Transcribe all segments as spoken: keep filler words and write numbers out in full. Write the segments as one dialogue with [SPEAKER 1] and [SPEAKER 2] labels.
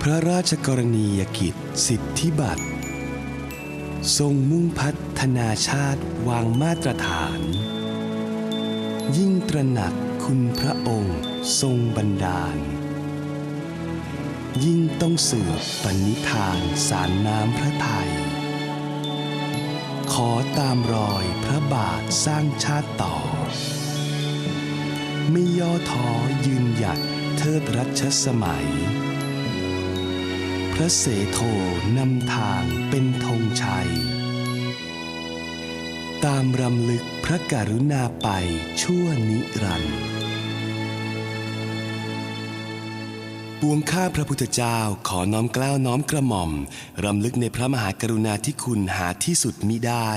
[SPEAKER 1] ระราชกรณียกิจสิทธิบัตรทรงมุ่งพัฒนาชาติวางมาตรฐาน ยิ่งตระหนักคุณพระองค์ทรงบันดาล ยิ่งต้องสืบปณิธานสารน้ำพระทัยขอตามรอยพระบาทสร้างชาติต่อ ไม่ย่อท้อยืนหยัดเทิดรัชสมัย พระเสโทนำทางเป็นธงชัย ตามรำลึกพระกรุณาไปชั่วนิรันดร์ปวงข้าพระพุทธเจ้าขอน้อมเกล้าน้อมกระหม่อมรำลึกในพระมหากรุณาธิคุณหาที่สุดมิได้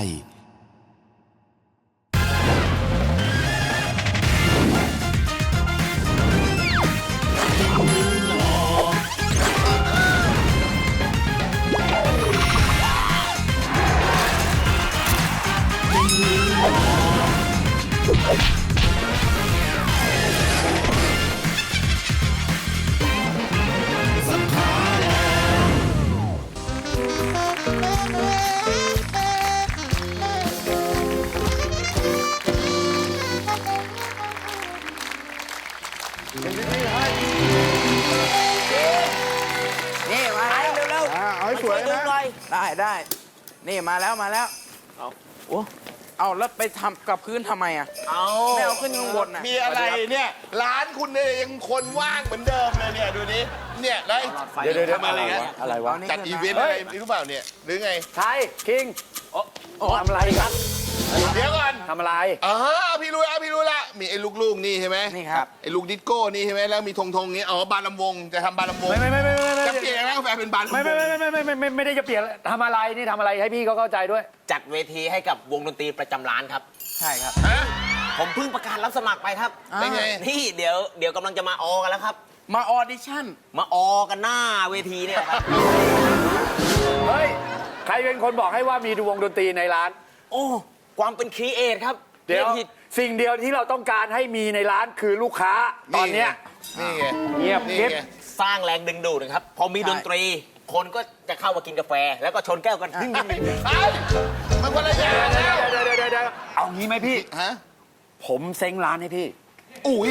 [SPEAKER 2] นี่มาแล้วเร็วๆ
[SPEAKER 3] เอาให้สวยนะ
[SPEAKER 2] ได้ได้นี่มาแล้วมาแล้วเอาโอ้เอาแล้วไปทำกับพื้นทำไมอ่ะ
[SPEAKER 3] เอา
[SPEAKER 2] ไม่เอาขึ้นข้างบนน่ะ
[SPEAKER 3] มีอะไรเนี่ย ร้านคุณเนี่ยยังคนว่างเหมือนเดิมเลยเนี่ย ดูนี้เนี่ยแล้วไอ้
[SPEAKER 2] เดี๋ยวเดี๋ยว
[SPEAKER 3] ทำอะไรกัน
[SPEAKER 2] อะไรวะ
[SPEAKER 3] จัดอีเวนต์อะไรหรือเปล่าเนี่ย หรือไง
[SPEAKER 4] ใช่คิงโอ้ทำอะไรครับ
[SPEAKER 3] เดี๋ยวก่อน
[SPEAKER 4] ทำอะไร
[SPEAKER 3] อ๋อพี่รู้แล้วพี่รู้แล้วมีไอ้ลูกๆนี่ใช่ไหม
[SPEAKER 2] นี่ครับ
[SPEAKER 3] ไอ้ลูกดิสโก้นี่ใช่ไหมแล้วมีธงธงๆนี้อ๋อบานลำวงจะทำบานลำวง
[SPEAKER 4] ไม่ไม่ไม่ไม่ไม่ไม่
[SPEAKER 3] จะเปลี่ยนร้านกาแฟเป็นบานลำว
[SPEAKER 4] ไม่
[SPEAKER 3] ง
[SPEAKER 4] ไม่ไม่ไม่ไม่ไม่ไม่ได้จะเปลี่ยนทำอะไรนี่ทำอะไรให้พี่เขาเข้าใจด้วย
[SPEAKER 5] จัดเวทีให้กับวงดนตรีประจำร้านครับ
[SPEAKER 2] ใช่ครับ
[SPEAKER 3] ฮะ
[SPEAKER 5] ผมเพิ่งประกาศรับสมัครไปครับ
[SPEAKER 3] เป็นไง
[SPEAKER 5] นี่เดี๋ยวเดี๋ยวกำลังจะมาออกันแล้วครับ
[SPEAKER 2] มาออดิชั่น
[SPEAKER 5] มาออกันหน้าเวทีเนี่ยครับ
[SPEAKER 4] เฮ้ยใครเป็นคนบอกให้ว่ามีวงดนตรีในร้าน
[SPEAKER 5] โอ้ความเป็นครีเอทครับ
[SPEAKER 4] เดี๋ยว
[SPEAKER 5] ผิด
[SPEAKER 4] สิ่งเดียวที่เราต้องการให้มีในร้านคือลูกค้าตอนเนี้ย
[SPEAKER 3] นี่ไง
[SPEAKER 4] เงียบ
[SPEAKER 3] นี่
[SPEAKER 4] เก็บ
[SPEAKER 3] ไง
[SPEAKER 5] สร้างแรงดึงดูดนะครับ พอมี
[SPEAKER 2] ใช่
[SPEAKER 5] ดนตรี คนก็จะเข้ามากินกาแฟ แล้วก็ชนแก้วกันดึงดึงดึง
[SPEAKER 3] เอ้ยมันคนละอย่างแล้ว
[SPEAKER 4] เดี๋ยวเดี๋ยวเดี๋ยวเดี๋ยวเอางี้ไหมพี่
[SPEAKER 3] ฮะ
[SPEAKER 4] ผมเซ้งร้านให้พี่
[SPEAKER 3] อุ้ย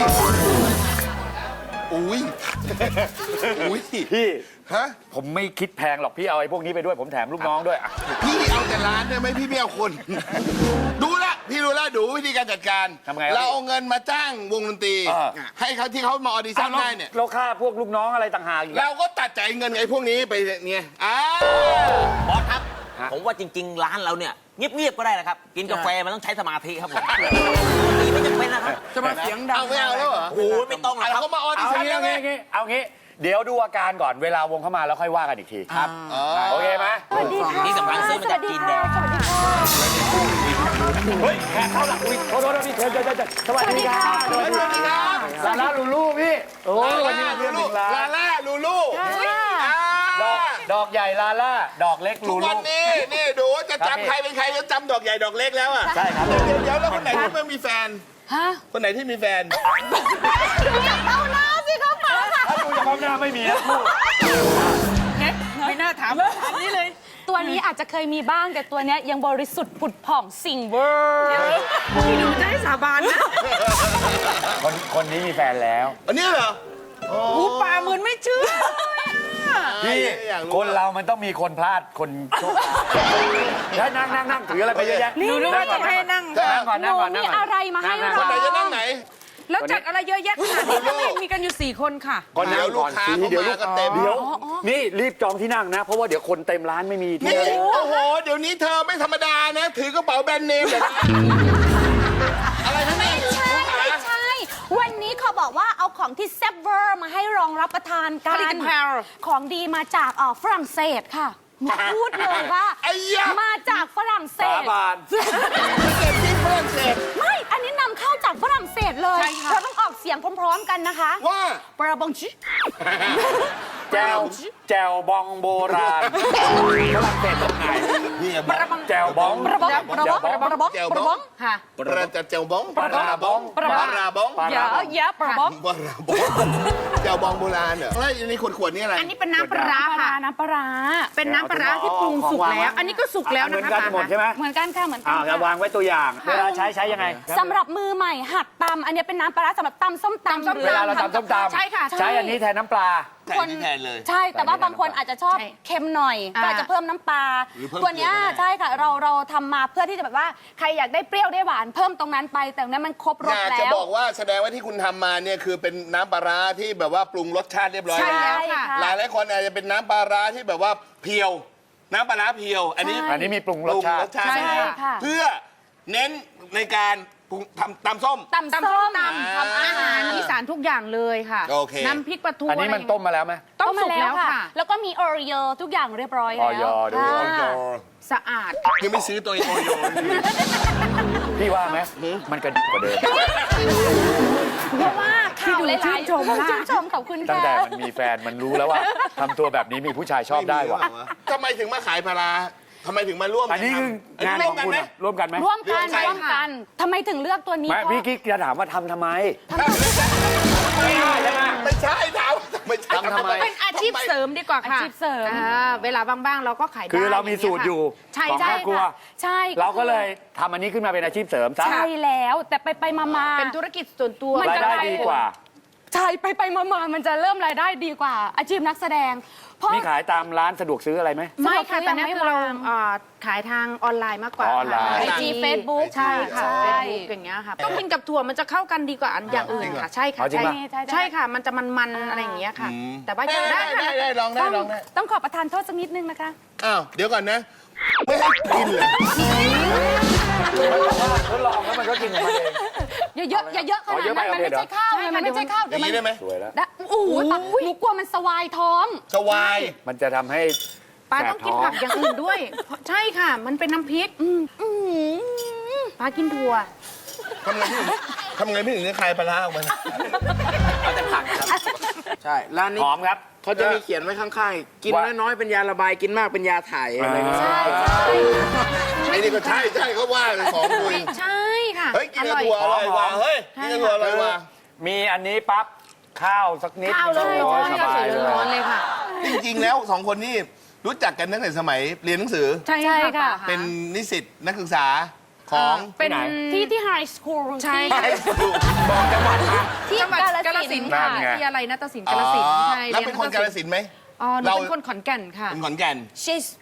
[SPEAKER 3] อุ้ยอุ้ย
[SPEAKER 4] พี่
[SPEAKER 3] ฮะ
[SPEAKER 4] ผมไม่คิดแพงหรอกพี่เอาไอ้พวกนี้ไปด้วยผมแถมลูกน้องด้วยอ่ะ
[SPEAKER 3] พี่เอาแต่ร้านได้ไหมพี่ไม่เอาคน ดูละพี่รู้แล้วดูวิธีการจัดการ
[SPEAKER 4] ทำไงครับ
[SPEAKER 3] เราเอาเงินมาจ้างวงดนตรี
[SPEAKER 4] อ่า
[SPEAKER 3] ให้เขาที่เขามาออดิชั่น
[SPEAKER 4] อ้าว
[SPEAKER 3] ได้เนี่ย
[SPEAKER 4] เราค่าพวกลูกน้องอะไรต่างหากอีกอะ
[SPEAKER 3] เราก็ตัดจ่ายเงินไอ้พวกนี้ไปเนี่ยอ่า
[SPEAKER 5] บอสครับ
[SPEAKER 4] ฮะ
[SPEAKER 5] ผมว่าจริง ๆ ร้านเราเนี่ยเงียบๆก็ได้นะครับ กินกาแฟมันต้องใช้สมาธิครับผมดนตรีไม่จำเป็นนะครับ
[SPEAKER 2] จะมาเสียงดัง
[SPEAKER 3] เอาไม่เอาแล้วเหรอ
[SPEAKER 5] โอ้โหไม่ต้องหรอก
[SPEAKER 3] เอา
[SPEAKER 5] ครับ
[SPEAKER 3] เขามาออดิ
[SPEAKER 4] เอา
[SPEAKER 3] ชั่น
[SPEAKER 4] งี้
[SPEAKER 3] แล้ว
[SPEAKER 4] เอา
[SPEAKER 3] ไง
[SPEAKER 4] งี้เอางี้เอางี้เดี๋ยวดูอาการก่อนเวลาวงเข้ามาแล้วค่อยว่ากันอีกที
[SPEAKER 2] ครับ
[SPEAKER 3] อ๋อ
[SPEAKER 4] โอเคไหม
[SPEAKER 5] ที่สำคัญซื้อมาจากจีนแดง
[SPEAKER 4] เฮ้ยแขกเข้าหลังอุ้ยโทษโทษพี่เชิญเชิญเชิญสวัสดีครับ
[SPEAKER 3] สวัสดีครับ
[SPEAKER 4] ลาล่าลูลูพี่โอ้ยวันนี้มา
[SPEAKER 3] ลู
[SPEAKER 4] เที่ยวห
[SPEAKER 3] ลู
[SPEAKER 4] นึ่งร้า
[SPEAKER 3] ลาน ล่าลูลูอ่า
[SPEAKER 4] ดอกดอกใหญ่ลาล่าดอกเล็ก
[SPEAKER 3] ทุ
[SPEAKER 4] ลู
[SPEAKER 3] ก
[SPEAKER 4] ลู
[SPEAKER 3] วันนี้นี่ดูจะ
[SPEAKER 4] ครับพี่
[SPEAKER 3] จำใครเป็นใครจะจำดอกใหญ่ดอกเล็กแล้วอ่ะ
[SPEAKER 4] ใช่ครับ
[SPEAKER 3] เดี๋ยวเดี๋ยวแล้วคนไหนที่ไม่มีแฟน
[SPEAKER 6] ฮะ
[SPEAKER 3] คนไหนที่มีแฟน
[SPEAKER 6] เอาหน้าสิเขาเปล่าค่ะ
[SPEAKER 4] ถ้าดูจากความหน้าไม่มีนะลูก
[SPEAKER 2] ไม่น่าถามอันนี้เลย
[SPEAKER 6] ตัวนี้อาจจะเคยมีบ้างแต่ตัวเนี้ยยังบริสุทธิ์ผุดผ่องสิ่งเวอร์
[SPEAKER 2] พี่ดูจะให้สาบานนะ
[SPEAKER 4] คนคนนี้มีแฟนแล้ว
[SPEAKER 3] อันนี้เหรอ
[SPEAKER 2] หูปลาเหมือนไม่เชื่อ
[SPEAKER 4] พี่
[SPEAKER 3] อยากรู้
[SPEAKER 4] คนเรามันต้องมีคนพลาดคนโชคร้ายนั่งนั่งนั่งถืออะไรไปเยอะแยะ
[SPEAKER 2] หนูนึกว่าจะให้นั่ง
[SPEAKER 4] นั่งก่อน
[SPEAKER 6] ห
[SPEAKER 4] นั่ง
[SPEAKER 6] นู
[SPEAKER 4] ก่อนนั่
[SPEAKER 6] มี
[SPEAKER 4] งก่อน
[SPEAKER 6] อะไรมาให้
[SPEAKER 3] คนไหน
[SPEAKER 6] เรา
[SPEAKER 3] จะนั่งไหน
[SPEAKER 7] แล้วจัดอะไรเยอะแยะขนาดนี้ทำไมมีกันอยู่สี่คนค่ะ
[SPEAKER 4] ก่อน
[SPEAKER 3] เดี๋
[SPEAKER 4] นั่
[SPEAKER 3] ยว
[SPEAKER 4] ง
[SPEAKER 3] ลู
[SPEAKER 4] ก่
[SPEAKER 3] ก
[SPEAKER 4] อน
[SPEAKER 3] ค้า
[SPEAKER 4] สี
[SPEAKER 3] เขา
[SPEAKER 4] เดี๋ยว
[SPEAKER 3] มา
[SPEAKER 4] ลูก
[SPEAKER 3] ก็เต็ม
[SPEAKER 4] เดี๋ยวนี่รีบจองที่นั่งนะ เพราะว่าเดี๋ยวคนเต็มร้านไม่มีที่
[SPEAKER 3] นี่
[SPEAKER 4] นั่ง
[SPEAKER 3] โอ้โห เดี๋ยวนี้เธอไม่ธรรมดานะ ถือกระเป๋าแบรนด์เนมเดี๋ยวนะอะไรทั้งนั้น
[SPEAKER 6] ไม่ใช่ไม่ใช่ วันนี้เขาบอกว่าเอาของที่แซ่บเวอร์มาให้รองรับประทานกั
[SPEAKER 7] ผลิต
[SPEAKER 6] น
[SPEAKER 7] ภัณฑ์
[SPEAKER 6] ของดีมาจากเอ่อฝรั่งเศสค่ะหนูพูดเลยว่า
[SPEAKER 3] ไอ้ยะ
[SPEAKER 6] มาจากฝรั่งเศ
[SPEAKER 4] สา
[SPEAKER 6] ส
[SPEAKER 4] บาน
[SPEAKER 3] เก็บที่ฝรั่งเศส
[SPEAKER 6] ไม่ อันนี้นำเข้าจากฝรั่งเศสเลย
[SPEAKER 7] ใช่ค่ะ
[SPEAKER 6] เราต้องออกเสียงพร้อมๆกันนะคะ
[SPEAKER 3] ว่า
[SPEAKER 6] ปราบงชิ
[SPEAKER 4] แจวแจวบองโบราณฝรั่งเศสตรงไหน
[SPEAKER 3] นี่อะ
[SPEAKER 4] แจวบอง
[SPEAKER 6] ประบองประบองประบอง
[SPEAKER 3] แจว
[SPEAKER 6] ประ
[SPEAKER 3] บบ อ
[SPEAKER 6] อง งค่ะ
[SPEAKER 3] ประจัดแจวบองปลาราบอง
[SPEAKER 6] ปลา
[SPEAKER 3] ปลาราบอง
[SPEAKER 4] ปลา
[SPEAKER 6] เยอะเยอะประบอง
[SPEAKER 3] ปลาราบองแจวบองโบราณเหรอแล้วในขวดๆนี่อะไร
[SPEAKER 7] อันนี้เป็นน้ำปลาร้าค่ะ
[SPEAKER 6] น้ำปลาร้า
[SPEAKER 7] เป็นน้ำปลาร้าที่ปรุงสุกแล้ว อันนี้ก็สุกแล้ว
[SPEAKER 4] เหมื
[SPEAKER 7] นะ
[SPEAKER 4] อน
[SPEAKER 7] คะ
[SPEAKER 4] กันหมดใช่ไหม
[SPEAKER 6] เหมือนกันค่ะเหมือนกั
[SPEAKER 4] อ่าน จะวางไว้ตัวอย่าง เวลาใช้ใช้ยังไง
[SPEAKER 6] สำหรับมือใหม่หัดตำอันนี้เป็นน้ำปลาร้าสำหรับตำส้มตำ
[SPEAKER 7] ตำส้ม
[SPEAKER 6] หรือ
[SPEAKER 4] เวลาเราตำส้มตำ
[SPEAKER 7] ใช่ค่ะ
[SPEAKER 4] ใช้อันนี้แทนน้ำปลา
[SPEAKER 3] แทนที่แทนเลย
[SPEAKER 6] ใช่ แต่ว่าบางคนอาจจะชอบ
[SPEAKER 7] ใช่
[SPEAKER 6] เค็มหน่อย
[SPEAKER 7] อ่า
[SPEAKER 6] ก็อาจจะเพิ่มน้ำปลา
[SPEAKER 3] หรือเพิ่ม
[SPEAKER 6] ตัวเนี้ย
[SPEAKER 3] เกลือก็ได้
[SPEAKER 6] ใช่ค่ะเราเราทำมาเพื่อที่จะแบบว่าใครอยากได้เปรี้ยวได้หวานเพิ่มตรงนั้นไป แต่ตรงนั้นมันครบร
[SPEAKER 3] อ
[SPEAKER 6] ส
[SPEAKER 3] ยาก
[SPEAKER 6] แล้
[SPEAKER 3] จะ
[SPEAKER 6] ว
[SPEAKER 3] บอกว่าแสดงว่าที่คุณทำมาเนี่ยคือเป็นน้ำปลาร้าที่แบบว่าปรุงรสชาติเรียบร้อย
[SPEAKER 7] ใช่
[SPEAKER 3] แล้ว
[SPEAKER 7] แล้วค่ะ
[SPEAKER 3] หลายหลายๆคนอาจจะเป็นน้ำปลาร้าที่แบบว่าเพียว น้ำปลาร้าเพียว อันนี้
[SPEAKER 6] ใช่
[SPEAKER 4] อันนี้มีปรุงรสชาติ
[SPEAKER 3] ปง
[SPEAKER 7] ใช่
[SPEAKER 3] ให้
[SPEAKER 6] ค่ะ
[SPEAKER 3] เพื่อเน้นในการปรุงทำตำส้ม
[SPEAKER 6] ตำ
[SPEAKER 7] ตำ
[SPEAKER 6] ส้
[SPEAKER 7] ส้
[SPEAKER 6] ม
[SPEAKER 7] มตำทำอาหารอีสานทุกอย่างเลยค่ะ
[SPEAKER 3] โอเค
[SPEAKER 7] น้ำพริกปลาทู
[SPEAKER 4] อันนี้มันต้มมาแล้วไหม
[SPEAKER 7] ต้มสุกแล้วค่ะ
[SPEAKER 6] แล้วก็มีออริโอทุกอย่างเรียบร้อยแล้ว
[SPEAKER 4] ออยด้วย
[SPEAKER 6] อ่า
[SPEAKER 3] ออย
[SPEAKER 7] สะอาด
[SPEAKER 3] ยังไม่ซื้อตัวโอโย
[SPEAKER 4] พี่ว่าไหมมันกระดิกกว่าเดิม
[SPEAKER 6] เพราะว่าข่าวหลายๆ
[SPEAKER 7] ชื่นชมมาก
[SPEAKER 6] ชื่นชมขอบคุณ
[SPEAKER 4] ตั้ง
[SPEAKER 6] ค่ะ
[SPEAKER 4] แต่มันมีแฟนมันรู้แล้วว่าทำตัวแบบนี้มีผู้ชายชอบได้ว่ะ
[SPEAKER 3] ทำไมถึงมาขายปลาร้าทำไมถึงมาร่วม
[SPEAKER 4] อันนี้คืองาน
[SPEAKER 3] ร่
[SPEAKER 4] ข
[SPEAKER 3] ว
[SPEAKER 4] อ
[SPEAKER 3] ม
[SPEAKER 4] ง
[SPEAKER 3] กัน
[SPEAKER 4] คุณ
[SPEAKER 3] ไหม
[SPEAKER 4] อะร่วมกันไหม
[SPEAKER 6] ร่วมกัน
[SPEAKER 3] ร่วมกัน
[SPEAKER 6] ร่วมกันทำไมถึงเลือกตัวนี้
[SPEAKER 4] ไม่
[SPEAKER 6] เพราะ
[SPEAKER 4] พี่กิ๊กจะถามว่าทำทำไม
[SPEAKER 3] ไม่ใช่ถามไม่ใช่
[SPEAKER 4] ทำทำไม
[SPEAKER 7] เป็นอาชีพเสริมดีกว่าค่ะ
[SPEAKER 6] อาชีพเสริม
[SPEAKER 7] อ่าเวลาบ้างๆเราก็ขายได้
[SPEAKER 4] คือเรามีสูตรอยู่
[SPEAKER 7] ใช่
[SPEAKER 4] ของ
[SPEAKER 7] ใช่
[SPEAKER 4] ครอบครัว
[SPEAKER 7] ค่ะ
[SPEAKER 6] ใช่
[SPEAKER 4] เราก็เลยทำอันนี้ขึ้นมาเป็นอาชีพเสริมซะ
[SPEAKER 6] ใช่แล้วแต่ไปไปมามา
[SPEAKER 7] เป็นธุรกิจส่วนตัว
[SPEAKER 6] มัน
[SPEAKER 4] ราย
[SPEAKER 6] จะ
[SPEAKER 4] ได้ดีกว่า
[SPEAKER 6] ใช่ไปไปมามามันจะเริ่มรายได้ดีกว่า อาชีพนักแสดง เพราะ
[SPEAKER 4] มีขายตามร้านสะดวกซื้ออะไรไหม
[SPEAKER 7] ไม่ค่ะ
[SPEAKER 6] สะดวกซื้อ
[SPEAKER 7] แต่นี่
[SPEAKER 6] ยังไม่
[SPEAKER 7] คือเรา
[SPEAKER 6] วาง
[SPEAKER 7] อ่าขายทางออนไลน์มากกว่า
[SPEAKER 4] ออนไลน์
[SPEAKER 7] ค่ะ
[SPEAKER 6] ไอจีเฟซบุ๊ก
[SPEAKER 7] ใช่ค่ะ
[SPEAKER 6] ใช่
[SPEAKER 7] เฟซบุ๊กอย่างเงี้ยค่ะต้องกินกับถั่วมันจะเข้ากันดีกว่าอันอย่างอื่นค่ะ ใช่ค่ะ
[SPEAKER 4] เอาจริง
[SPEAKER 7] ใช่
[SPEAKER 4] ปะ
[SPEAKER 6] ใช่ใช่
[SPEAKER 7] ใช่ค่ะ มันจะมันๆอะไรอย่างเงี้ยค่ะ แต่ว่า
[SPEAKER 3] ได้
[SPEAKER 7] ยัง
[SPEAKER 3] ได้
[SPEAKER 7] ได้
[SPEAKER 3] ได้
[SPEAKER 7] ค่ะ
[SPEAKER 3] ได้ลองได้
[SPEAKER 6] ต้อง
[SPEAKER 3] ลองได้
[SPEAKER 6] ต้องขอประทานโทษสักนิดนึงนะคะ
[SPEAKER 3] อ้าวเดี๋ยวก่อนนะ ไม่ให้กินเลย
[SPEAKER 4] ทดลองแล้วมันก็กินของมันเอง
[SPEAKER 6] อย่าเยอะอย่าเยอะข
[SPEAKER 4] อ๋อ
[SPEAKER 6] นาด
[SPEAKER 4] เยอะไป
[SPEAKER 6] นั้นมัน
[SPEAKER 4] โอเค
[SPEAKER 6] ไม่ใช่ข้าวไงมันไม่ใช่ข้าว
[SPEAKER 3] อ
[SPEAKER 6] เดี๋ย
[SPEAKER 3] ย่าว ง
[SPEAKER 6] มัน
[SPEAKER 3] นี้ได้ไหม
[SPEAKER 4] สวยแล้ว
[SPEAKER 6] ได้โอ้โหปะหนูกลัวมันสวายท้อง
[SPEAKER 3] สวาย
[SPEAKER 4] มันจะทำให้
[SPEAKER 7] ปลาต้องกินผักอย่างอื่นด้วยเพราะใช่ค่ะ มันเป็นน้ำพริกปลากินถั่ว
[SPEAKER 3] ทำไงพี่ถึงทำไงพี่ถึงจะคลายปลาร้าออกมา
[SPEAKER 2] เอาแต่ผักครับ ใช่ร้านนี้
[SPEAKER 4] หอมครับ
[SPEAKER 2] เขาจะมีเขียนไว้ข้างๆ กิน
[SPEAKER 4] ว่า
[SPEAKER 2] น้อยๆ เป็นยาระบาย กินมากเป็นยาถ่ายอะไรนะ
[SPEAKER 6] ใช่ใช่
[SPEAKER 3] ไอ้นี่ก็ใช่ใช่เขาว่าเลยของคุณ
[SPEAKER 7] ใช่ค่ะ
[SPEAKER 3] เฮ้ยกินกับถั่วอร่อยว่ะเฮ้ยกินกับถั่วอร่อยว่ะ
[SPEAKER 4] มีอันนี้ปั๊บข้าวสักนิด
[SPEAKER 7] ข้าวเลย
[SPEAKER 4] โอ้
[SPEAKER 7] ร้
[SPEAKER 4] ย
[SPEAKER 7] อน
[SPEAKER 4] ส
[SPEAKER 7] ก็
[SPEAKER 4] บา
[SPEAKER 7] ใส่
[SPEAKER 4] ยเลย
[SPEAKER 7] ร้อนๆเลยค่ะ
[SPEAKER 3] จริงๆแล้วสองคนนี่รู้จักกันตั้งแต่สมัยเรียนหนังสือ
[SPEAKER 7] ใช่
[SPEAKER 6] ใช่ค่ะ
[SPEAKER 3] เป็นนิสิตนักศึกษาของ
[SPEAKER 7] เป็น
[SPEAKER 6] ที่ที่ไฮสคูล
[SPEAKER 7] ใช่
[SPEAKER 6] ที่
[SPEAKER 3] บอกจังหวัดมา
[SPEAKER 6] ที่
[SPEAKER 7] จังหวัด
[SPEAKER 6] กาฬ
[SPEAKER 7] กาฬ
[SPEAKER 6] สิ
[SPEAKER 7] สิ
[SPEAKER 6] น
[SPEAKER 7] น
[SPEAKER 6] ธุ์
[SPEAKER 7] ธุ์ค่ะ
[SPEAKER 6] ค่ะ
[SPEAKER 7] ที่อะไรนาฏศิลป์
[SPEAKER 3] อ๋
[SPEAKER 7] กา
[SPEAKER 3] อ
[SPEAKER 7] ฬสินธุ์ใช่
[SPEAKER 3] แล้วเป็นคนกาฬสินธุ์ไหม
[SPEAKER 7] อ๋อหนู
[SPEAKER 3] เรา
[SPEAKER 7] เป็นคนขอนแก่นค่ะ
[SPEAKER 3] เป็นขอนแก่น
[SPEAKER 6] ชิส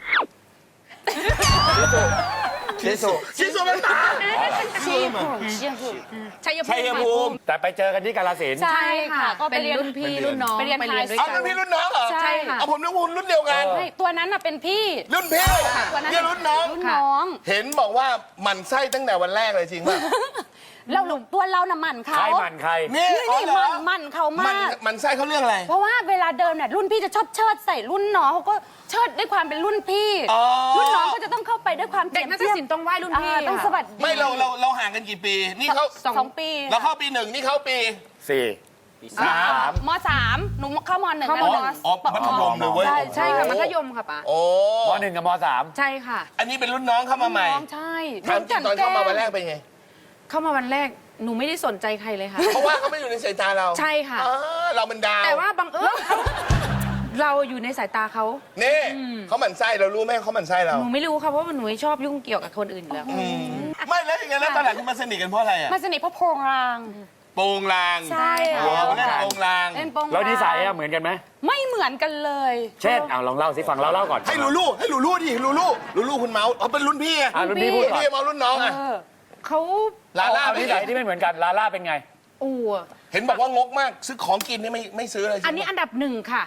[SPEAKER 3] ชิสุชิสุเป็นตา
[SPEAKER 6] ชีพูชีพู
[SPEAKER 7] ชัยภู
[SPEAKER 3] ชัย
[SPEAKER 7] มิ
[SPEAKER 3] ภูมิ
[SPEAKER 4] แต่ไปเจอกันที่กาฬสินธุ์
[SPEAKER 6] ใช่
[SPEAKER 7] ใช่ค่ะ
[SPEAKER 6] ค่ะก็ไป
[SPEAKER 7] เป็น
[SPEAKER 6] เรียน
[SPEAKER 7] รุ่นพี่รุ่นน้อง
[SPEAKER 6] ไปเรียน
[SPEAKER 7] ด้วย
[SPEAKER 6] high
[SPEAKER 3] เอา
[SPEAKER 7] กั
[SPEAKER 3] รุ่นพี่รุ่นน้องเหรอ
[SPEAKER 6] ใช่ค่ะ
[SPEAKER 3] เอาผมนึกว่ารุ่นเดียวกัน
[SPEAKER 6] ไม่ตัวนั้นน่ะเป็นพี่
[SPEAKER 3] รุ่นพี่
[SPEAKER 6] ตัวนั้น
[SPEAKER 3] เนี่ยรุ่นน้อง
[SPEAKER 6] รุ่นน้อง
[SPEAKER 3] เห็นบอกว่าหมันไส้ตั้งแต่วันแรกเลยจริงป่ะ
[SPEAKER 6] เราหลุมตัวเราน่ะหมั่น
[SPEAKER 4] ใค
[SPEAKER 6] เขา
[SPEAKER 4] รหมันใคร
[SPEAKER 3] นี่
[SPEAKER 6] นี่
[SPEAKER 3] อ๋อ
[SPEAKER 6] นี่
[SPEAKER 3] เหร
[SPEAKER 6] ห
[SPEAKER 3] อ
[SPEAKER 6] มั่นหมั่นเขา
[SPEAKER 3] มัน
[SPEAKER 6] มาก
[SPEAKER 3] มันไส้เขาเรื่องอะไร
[SPEAKER 6] เพราะว่าเวลาเดินเนี่ยรุ่นพี่จะชอบเชิดใส่รุ่นน้องเขาก็เชิดด้วยความเป็นรุ่นพี่
[SPEAKER 3] อ๋อ
[SPEAKER 6] รุ่นน้องก็จะต้องเข้าไปด้วยความ
[SPEAKER 7] เด็กนาฏศิลป์ต้องไหว้รุ่นพี่
[SPEAKER 6] อ่าต้อง
[SPEAKER 7] ค่ะ
[SPEAKER 6] สวัสดี
[SPEAKER 3] ไม่เราเราเราห่างกันกี่ปี นี่เขา
[SPEAKER 6] สองสองปี
[SPEAKER 3] เราเข้าปีหนึ่งนี่เขาปี
[SPEAKER 4] สี่
[SPEAKER 3] สาม
[SPEAKER 6] มสามหนูเข้ามหนึ่ง
[SPEAKER 7] เข้า
[SPEAKER 6] แล้ว
[SPEAKER 7] ม
[SPEAKER 6] ม
[SPEAKER 3] อ๋อมัธยมเลยเว้ย
[SPEAKER 6] ใช่
[SPEAKER 7] ใช่ค่ะมัธยมค่ะป๋า
[SPEAKER 3] โอ้
[SPEAKER 4] มหนึ่งกับมสาม
[SPEAKER 7] ใช่ค่ะ
[SPEAKER 3] อันนี้เป็นรุ่นน้องเข้ามาใหม่
[SPEAKER 6] น้องใช่
[SPEAKER 3] ถามจริงตอนเข้ามาวันแรกเป็นไง
[SPEAKER 7] เข้ามาวันแรกหนูไม่ได้สนใจใครเลยค่ะ
[SPEAKER 3] เพราะว่าเขาไม่อยู่ในสายตาเรา
[SPEAKER 7] ใช่ค่ะ
[SPEAKER 3] อ๋อเราเป็นดาว
[SPEAKER 7] แต่ว่าบังเอิญเขาเราอยู่ในสายตาเขา
[SPEAKER 3] นี่เขาหมั่นไส้เรารู้ไหมเขาหมั่นไส้เรา
[SPEAKER 7] หนูไม่รู้ค่ะเพราะว่าหนูไม่ชอบยุ่งเกี่ยวกับคนอื่นอยู่แล้ว
[SPEAKER 3] ไม่แล้วยังไงแล้วตอนหลังคุณมาสนิทกันเพราะอะไรอ่ะ
[SPEAKER 6] มาสนิทเพราะโพรงราง
[SPEAKER 3] โปงลาง
[SPEAKER 6] ใช่
[SPEAKER 3] โอ้เล่นโปงลาง
[SPEAKER 6] เล่นโปรงราง
[SPEAKER 4] แล้วนิสัยอะเหมือนกันไหม
[SPEAKER 6] ไม่เหมือนกันเลย
[SPEAKER 4] เช่นเอาลองเล่าสิฟังเราเล่าก่อน
[SPEAKER 3] ให้ลูลูให้ลูลูดิลูลูลูลูคุณเมาส์เขาเป็นรุ่นพี่อะ
[SPEAKER 4] อ่ะรุ่นพี่พูดก่อน
[SPEAKER 3] พี่เมาส์รุ่นน้องอะ
[SPEAKER 6] เออ
[SPEAKER 7] เขา
[SPEAKER 3] ลาล่า
[SPEAKER 4] เอา
[SPEAKER 3] ไม่
[SPEAKER 4] นิ
[SPEAKER 3] ไหน
[SPEAKER 4] สัยที่ไม่เหมือนกันลาล่าเป็นไง
[SPEAKER 7] อู่
[SPEAKER 3] เห็นบอกว่างกมากซื้อของกินนี่ไม่ไม่ซื้ออะไร
[SPEAKER 7] อันนี้อันดับหนึ่งค่ะ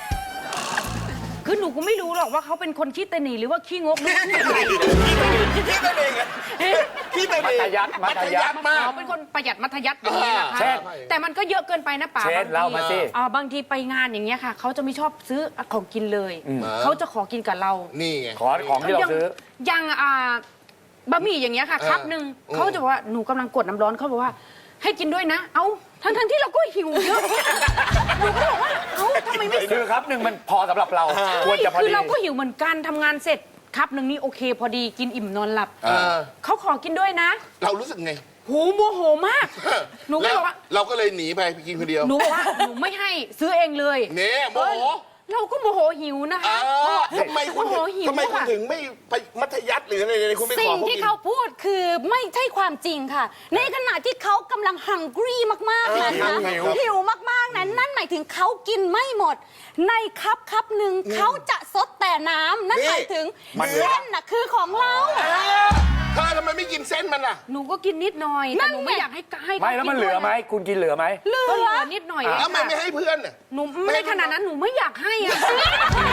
[SPEAKER 7] คือหนูก็ไม่รู้หรอกว่าเขาเป็นคนขี้ตะหนีหรือว่าขี้งกหรือว่าขี้อะไร
[SPEAKER 3] พี่ตัวเองอะพี่ตัว
[SPEAKER 4] มั
[SPEAKER 3] เอง
[SPEAKER 4] ธยัสถ์มัธยัสถ์
[SPEAKER 3] มาก
[SPEAKER 7] เขาเป็นคนประหยัดมัธยัสถ์อย่างนี้แหละค่ะ
[SPEAKER 4] เช่น
[SPEAKER 7] แต่มันก็เยอะเกินไปนะป๋า
[SPEAKER 4] เช่น
[SPEAKER 7] บงที
[SPEAKER 4] เล่ามาสิ
[SPEAKER 7] อ่าบางทีไปงานอย่างเงี้ยค่ะ เขาจะไม่ชอบซื้อของกินเลย เขาจะขอกินกับเรา
[SPEAKER 3] นี่ไง
[SPEAKER 4] ขอของที่เราซื้อ
[SPEAKER 7] ยังอ่าบะหมี่อย่างเงี้ยค่ะ
[SPEAKER 3] เออ
[SPEAKER 7] ครับหนึ่ง
[SPEAKER 3] อืม
[SPEAKER 7] เขาจะบอกว่าหนูกำลังกดน้ำร้อนเขาบอกว่า ให้กินด้วยนะ เอ้าทั้งทั้งๆที่เราก็หิวเยอะหนูก็บอกว่าเอ้าทำไมไม่
[SPEAKER 4] คือครับหนึ่งมันพอสำหรับเราควรจะพอ
[SPEAKER 7] คือ
[SPEAKER 4] ดี
[SPEAKER 7] เราก็หิวเหมือนกันทำงานเสร็จครับหนึ่งนี่โอเค พอดีกินอิ่มนอนหลับ
[SPEAKER 3] เออ
[SPEAKER 7] เขาขอกินด้วยนะ
[SPEAKER 3] เรารู้สึกไง
[SPEAKER 7] หูโมโหมาก หนูก็
[SPEAKER 3] แล้ว
[SPEAKER 7] บอกว่า
[SPEAKER 3] เราก็เลยหนีไปไปกินคนเดียว
[SPEAKER 7] หนูบอกว่าหนูไม่ให้ซื้อเองเลย
[SPEAKER 3] เนี่ยโมโห
[SPEAKER 7] เออเราก็โมโหหิวนะ
[SPEAKER 3] เอ
[SPEAKER 7] คะ
[SPEAKER 3] อทำไมคุณ
[SPEAKER 7] โมโหหิว
[SPEAKER 3] ทำไมคุณ
[SPEAKER 7] ค่ะ
[SPEAKER 3] ถึงไม่ไปมัธยัสถ์หรืออะไรเลยคุณไปข
[SPEAKER 6] สิ่
[SPEAKER 3] อง เขา
[SPEAKER 6] ที่
[SPEAKER 3] กิน
[SPEAKER 6] เขาพูดคือไม่ใช่ความจริงค่ะ ในขณะที่เขากำลังฮังกี้มากๆนั้นนะ
[SPEAKER 3] หิว
[SPEAKER 6] หิวมากๆนั้นนั่นหมายถึงเขากินไม่หมด ในคัพคัพหนึ่งเขาจะซดแต่น้ำนั่นหมายถึงเส้นน่ะคือของเรา
[SPEAKER 3] เธอทำไมไม่กินเส้นมันอ่ะ
[SPEAKER 7] หนูก็กินนิดหน่อย
[SPEAKER 6] นั่
[SPEAKER 7] แต่
[SPEAKER 6] น
[SPEAKER 7] หนูไม่
[SPEAKER 6] ไง
[SPEAKER 7] อยากให้ให้
[SPEAKER 4] ไม่แล้วมันเหลือไหมคุณกินเหลือไหม
[SPEAKER 6] เหลื
[SPEAKER 7] ก็เหลื
[SPEAKER 6] อ
[SPEAKER 7] อนิดหน่อยเอง
[SPEAKER 3] แล้วทำไม
[SPEAKER 7] ค่ะ
[SPEAKER 3] ไม่ให้เพื่อนอ่ะ
[SPEAKER 7] หนูไม่ได้ขนาดนั้นหนูไม่อยากให้อะ
[SPEAKER 6] เห็นไหม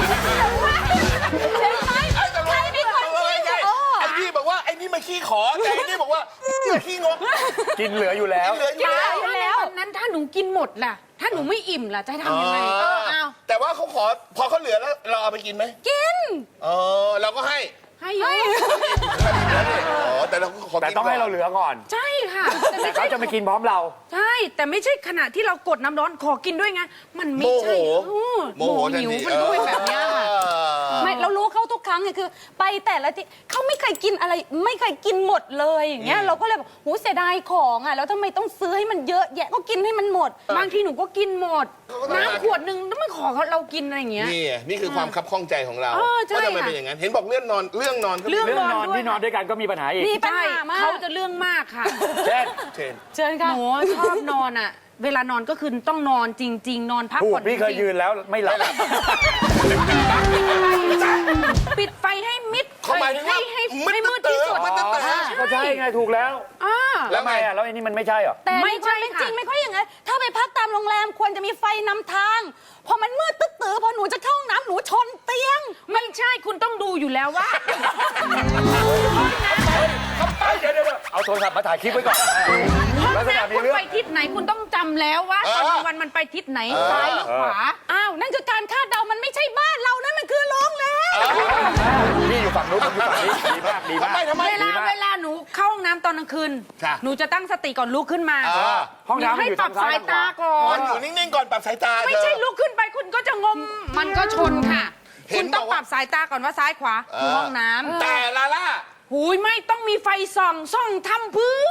[SPEAKER 6] ใครเป็นคนที่
[SPEAKER 3] ใช่
[SPEAKER 6] โอ้
[SPEAKER 3] ไอ้นี่บอกว่าไอ้นี่มาขี้ขอแต่ไอ้นี่บอกว่าเนี่ยขี้งก
[SPEAKER 4] กินเหลืออยู่แล้ว
[SPEAKER 3] เหลืออยู่
[SPEAKER 7] ถ้า
[SPEAKER 3] แล้ว
[SPEAKER 7] ในวันนั้นถ้าหนูกินหมดล่ะ ถ้าหนูไม่อิ่มล่ะจะให้ทำยังไงเออเอา
[SPEAKER 3] แต่ว่าเขาขอพอเขาเหลือแล้วเราเอาไปกินไหม
[SPEAKER 6] กิน
[SPEAKER 3] เออเราก็ให้
[SPEAKER 7] ให้เยอะ
[SPEAKER 3] อ๋อแต่เราก็ขอ
[SPEAKER 4] แต่
[SPEAKER 3] กิน
[SPEAKER 4] ต้องให้เราเหลือก่อน
[SPEAKER 7] ใช่ค่ะ แต่
[SPEAKER 4] แต่
[SPEAKER 7] ไม่
[SPEAKER 4] เขา
[SPEAKER 7] ใช่
[SPEAKER 4] จะไม่กินพร้อมเรา
[SPEAKER 7] ใช่ แต่ไม่ใช่ขณะที่เรากดน้ำร้อนขอกินด้วยไงมันไม่
[SPEAKER 3] โมโห
[SPEAKER 7] ใช่เออ
[SPEAKER 3] โมโหทัน
[SPEAKER 7] หิว
[SPEAKER 3] ที
[SPEAKER 7] มันก็เป็นแบบเนี้ยค่ะ
[SPEAKER 3] เออ
[SPEAKER 6] ไม่เรารู้เขาทุกครั้งไงคือ ไปแต่ละที่เขาไม่เคยกินอะไร ไม่เคยกินหมดเลยอย่างเงี้ยเราก็เลยบอกหูเสียดายของอ่ะแล้วทำไมต้องซื้อให้มันเยอะแยะก็กินให้มันหมด
[SPEAKER 7] บางทีหนูก็กินหมด น้ำขวดหนึ่งแล้วไม่ขอเรากินอะไรอย่างเงี้ย
[SPEAKER 3] นี่ไงนี่คือความคับข้องใจของเรา
[SPEAKER 7] เออใช่
[SPEAKER 3] ว่าทำไม
[SPEAKER 7] ค่ะ
[SPEAKER 3] เป็นอย่างนั้น เห็นบอกเรื่องนอนเรื่องนอนก็มี
[SPEAKER 7] เรื่อง
[SPEAKER 4] เรื่องนอน
[SPEAKER 7] ด้วย
[SPEAKER 4] ที่นอนด้วยกันก็มีปัญหาอีก
[SPEAKER 6] มีปัญ
[SPEAKER 7] ใช่
[SPEAKER 6] หามาก
[SPEAKER 7] เขาจะเรื่องมากค่ะ
[SPEAKER 4] เช่น
[SPEAKER 3] เช่น
[SPEAKER 6] เชิญ
[SPEAKER 7] ห
[SPEAKER 6] ค่ะ
[SPEAKER 7] นูชอบนอนอ่ะ เวลานอนก็คือต้องนอนจริง ๆ นอนพัก
[SPEAKER 4] พู
[SPEAKER 7] ผ่
[SPEAKER 4] ด
[SPEAKER 7] อน
[SPEAKER 4] พี่เคย
[SPEAKER 7] จริงๆ
[SPEAKER 4] ยืนแล้วไม่หลับ
[SPEAKER 7] ปิดไฟให้มิด
[SPEAKER 3] เขาหมายถึงว่า
[SPEAKER 7] ให้ให้
[SPEAKER 3] มืด
[SPEAKER 7] ให้มืด
[SPEAKER 3] ตื้
[SPEAKER 7] ที่
[SPEAKER 3] อ
[SPEAKER 7] สุด
[SPEAKER 3] มืดตื้อ
[SPEAKER 4] ก็ใช่ไงถูกแล้ว
[SPEAKER 7] อ่า
[SPEAKER 3] แล้วไง
[SPEAKER 4] ทำอ่ะแล้วไอ้นี่มันไม่ใช่เหรอ
[SPEAKER 6] แต่
[SPEAKER 7] ไม่
[SPEAKER 6] ในค
[SPEAKER 7] ใช่
[SPEAKER 6] วามเป็น
[SPEAKER 7] ค่ะ
[SPEAKER 6] จริงไม่ค่อยอย่างนั้นถ้าไปพักตามโรงแรมควรจะมีไฟนำทาง พอมันมืดตึ๊ดตื้อพอหนูจะเข้าห้องน้ำหนูชนเตียง
[SPEAKER 7] ไม่ใช่คุณต้องดูอยู่แล้วว่า
[SPEAKER 4] เดี๋ยวเดี๋ยวเอาโทรศัพท์มาถ่ายคลิปไว้ก่อน
[SPEAKER 7] ห้อง
[SPEAKER 4] ลักษณะ
[SPEAKER 7] น้ำ
[SPEAKER 4] มี
[SPEAKER 7] คุณ
[SPEAKER 4] เรื่อง
[SPEAKER 7] ไปทิศไหนคุณต้องจำแล้วว่าตอนกลางวันมันไปทิศไหนซ้ายหรือขวา
[SPEAKER 6] อ้าวนั่นคือการคาดเดามันไม่ใช่บ้านเรานั่นมันคือโรงแรม
[SPEAKER 4] นี่อยู่ฝั่งนู้นผมอยู่ฝั่งนี้ดีมากดี
[SPEAKER 3] ทำ
[SPEAKER 4] มาก
[SPEAKER 3] ไมทำไม
[SPEAKER 7] เวลาเวลาหนูเข้าห้องน้ำตอนกลางคืน
[SPEAKER 3] ค่ะ
[SPEAKER 7] หนูจะตั้งสติก่อนลุกขึ้นมา
[SPEAKER 3] เออ
[SPEAKER 4] ห้องน้ำมัน
[SPEAKER 7] ให้
[SPEAKER 4] อยู่
[SPEAKER 7] ปรั
[SPEAKER 4] ทา
[SPEAKER 7] บ
[SPEAKER 4] งซ้า
[SPEAKER 7] สาย ย
[SPEAKER 4] ทางขวา
[SPEAKER 7] ตาก่อ
[SPEAKER 3] มัน นอยู่นิ่งๆก่อนปรับสายตา
[SPEAKER 7] ไม่ใช่ลุกขึ้นไปคุณก็จะงม มันก็ชนค่ะ
[SPEAKER 3] เห็
[SPEAKER 7] คุ
[SPEAKER 3] น
[SPEAKER 7] ณต้อง
[SPEAKER 3] บอกว่า
[SPEAKER 7] ปรับสายตาก่อนว่าซ้ายขวาคือห้องน้ำ
[SPEAKER 3] แต่ลาล่า
[SPEAKER 7] หูยไม่ต้องมีไฟส่องส่องทำเพื่อ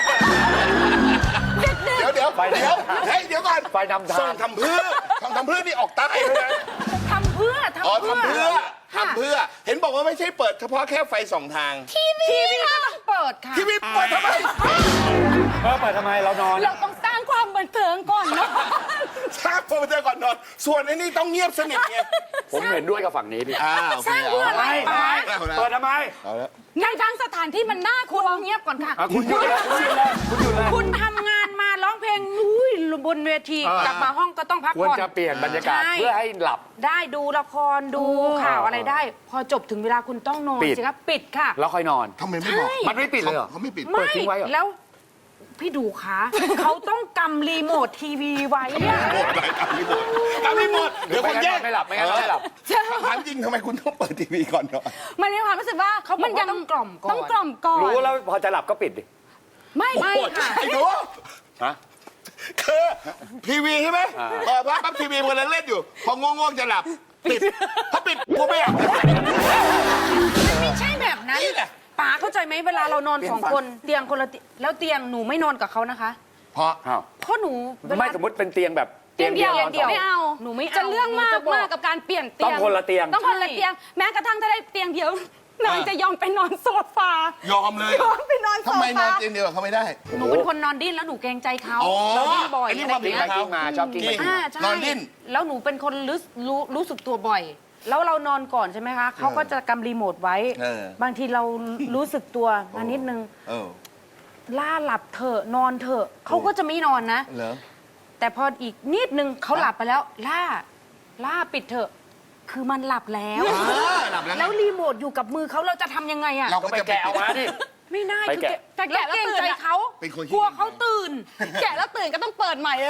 [SPEAKER 3] เดี๋ยวเดี๋ยว
[SPEAKER 4] ไฟนำ
[SPEAKER 3] เดี๋ยวเฮ้ยเดี๋ยวก่อน
[SPEAKER 4] ไฟนำทาง
[SPEAKER 3] ส่งทำเพื่อทำทำเพื่อนี่ออกใต้เลยนะ
[SPEAKER 7] ทำเพื่อ
[SPEAKER 3] อ๋อ
[SPEAKER 7] ทำเพื่อ
[SPEAKER 3] ทำเพื่อทำเพื่อ เห็นบอกว่าไม่ใช่เปิดเฉพาะแค่ไฟสองทาง
[SPEAKER 7] ทีวีก็ต้องเปิดค่ะ
[SPEAKER 3] ทีวีเปิดทำไม
[SPEAKER 4] เออเปิดทำไมเรานอน
[SPEAKER 6] เราต้องสร้างความบันเทิงก่อนเนาะ
[SPEAKER 3] ชาติพอมาเจอก่อนนอน ส่วนไอ้นี่ต้องเงียบสนิทไง
[SPEAKER 4] ผมเห็นด้วยกับฝั่งนี้พี่
[SPEAKER 3] อ้าว
[SPEAKER 7] สร้างเพื่ออะไร
[SPEAKER 4] ไม่
[SPEAKER 7] ป๋า
[SPEAKER 4] เปิดทำไม
[SPEAKER 3] เอาแล้ว
[SPEAKER 6] ในทางสถานที่มันน่ากลัว
[SPEAKER 7] เงียบก่อนค่ะ
[SPEAKER 4] อ่ะคุณหยุดเลยคุณหยุดเลยคุณหยุดเลย
[SPEAKER 7] คุณทำงานมาร้องเพลงอุ้ยบนเวทีกลับมาห้องก็ต้องพัก
[SPEAKER 4] ควร
[SPEAKER 7] ผ่อน
[SPEAKER 4] จะเปลี่ยนบรรยากาศ
[SPEAKER 7] ใช่
[SPEAKER 4] เพื่อให้หลับ
[SPEAKER 7] ได้ดูละครดูข่าวอะไรได้ พอจบถึงเวลาคุณต้องนอน
[SPEAKER 4] ปิด
[SPEAKER 7] สิครับปิดค่ะ
[SPEAKER 4] แล้วค่อยนอน
[SPEAKER 3] ทำไมไม่บอก
[SPEAKER 4] มันไม่ปิดเลยเหรอ
[SPEAKER 3] เขาไม่ปิด
[SPEAKER 4] เปิดทิ้งไว้เหรอ
[SPEAKER 7] แล้วพี่ดูคะเขาต้องกำรีโมททีวีไว้อะ
[SPEAKER 3] ทำไม่หมดเดี๋ยวคนแยก
[SPEAKER 4] ไม่หลับไม่งั้นไม่หลับ
[SPEAKER 3] ถามจริงทำไมคุณต้องเปิดทีวีก่อนเนาะ
[SPEAKER 6] มันมีความรู้สึกว่า
[SPEAKER 7] เขาบอกว่าต้องกล่อมก่อน
[SPEAKER 6] ต้องกล่อมก่อน
[SPEAKER 4] รู้แล้วพอจะหลับก็ปิดดิ
[SPEAKER 6] ไม่
[SPEAKER 7] ไม่ค่ะ
[SPEAKER 3] ไอ้หนู
[SPEAKER 4] ฮะ
[SPEAKER 3] คือทีวีใช่ไหมเปิดปั๊บปั๊บทีวีมันเล่นอยู่ พอง่วงๆจะหลับ ปิดถ้าปิดกูไม่อยาก
[SPEAKER 7] ไม่ใช่แบบนั้น
[SPEAKER 3] นี่แหละ
[SPEAKER 7] ป๋าเข้าใจไหมเวลาเรานอนสองคนเตียงคนละเตียงแล้วเตียงหนูไม่นอนกับเขานะคะ
[SPEAKER 3] เพราะ
[SPEAKER 4] อ้าว
[SPEAKER 7] เพราะหนูเวลา
[SPEAKER 4] ไม่สมมติเป็นเตียงแบบ
[SPEAKER 6] เตียงเดียว
[SPEAKER 4] นอน
[SPEAKER 6] เดียว
[SPEAKER 4] ส
[SPEAKER 6] ไม่เอา
[SPEAKER 7] หนูไม่เอา
[SPEAKER 6] จะเรื่องมาก
[SPEAKER 7] หนูจะบอก
[SPEAKER 6] มากกับการเปลี่ยนเตียง
[SPEAKER 4] ต้องคนละเตียง
[SPEAKER 6] ต้องคนละเตียง แม้กระทั่งถ้าได้เตียงเดียวนางจะยอมไปนอนโซฟาย
[SPEAKER 3] อมเลย
[SPEAKER 6] ยอมไปนอนโซ
[SPEAKER 3] ทำไมนอน
[SPEAKER 6] ฟา
[SPEAKER 3] เตียงเดียวกับเขาไม่ได้
[SPEAKER 7] หนูเป็นคนนอนดิ้นแล้วหนูเกรงใจเขา
[SPEAKER 3] อ๋อ
[SPEAKER 7] เราดิ้นบ่อย
[SPEAKER 3] อันนี้
[SPEAKER 7] อะไร
[SPEAKER 3] ความ
[SPEAKER 7] อย่าง
[SPEAKER 3] ผิด
[SPEAKER 7] เงี้ย
[SPEAKER 3] ของ
[SPEAKER 4] กิ้งมาชอบกิ้งไปกิ้ง
[SPEAKER 7] อ่า
[SPEAKER 4] มา
[SPEAKER 7] ใช่
[SPEAKER 3] นอนดิ้น
[SPEAKER 7] แล้วหนูเป็นคนรู้รู้รู้สึกตัวบ่อย แล้วเรานอนก่อนใช่ไหมคะเขาก็จะกำรีโมทไว้
[SPEAKER 3] เออ
[SPEAKER 7] บางทีเรารู้สึกตัวมานิดนึง
[SPEAKER 3] เออ
[SPEAKER 7] ล่าหลับเถอะนอนเถอะเขาก็จะไม่นอนนะ
[SPEAKER 3] เหรอ
[SPEAKER 7] แต่พออีกนิดนึงเขาหลับไปแล้ว ล่า ล่าปิดเถอะ คือมันหลับแล้ว
[SPEAKER 3] อ่าหลับแล้วไง
[SPEAKER 7] แล้วรีโมทอยู่กับมือเขาเราจะทำยังไงอะ
[SPEAKER 3] เรา
[SPEAKER 4] ก็
[SPEAKER 3] ก็
[SPEAKER 4] ไป
[SPEAKER 3] จะ
[SPEAKER 4] แกะเอามาดิ
[SPEAKER 7] ไม่ได้
[SPEAKER 4] ไป
[SPEAKER 7] คือ
[SPEAKER 4] แกะ
[SPEAKER 7] แต่แกะแล้วเกรงใจเขา
[SPEAKER 3] เป็นคนขี้
[SPEAKER 7] กลัวเขาตื่น
[SPEAKER 6] แกะแล้วตื่นก็ต้องเปิดใหม่เลย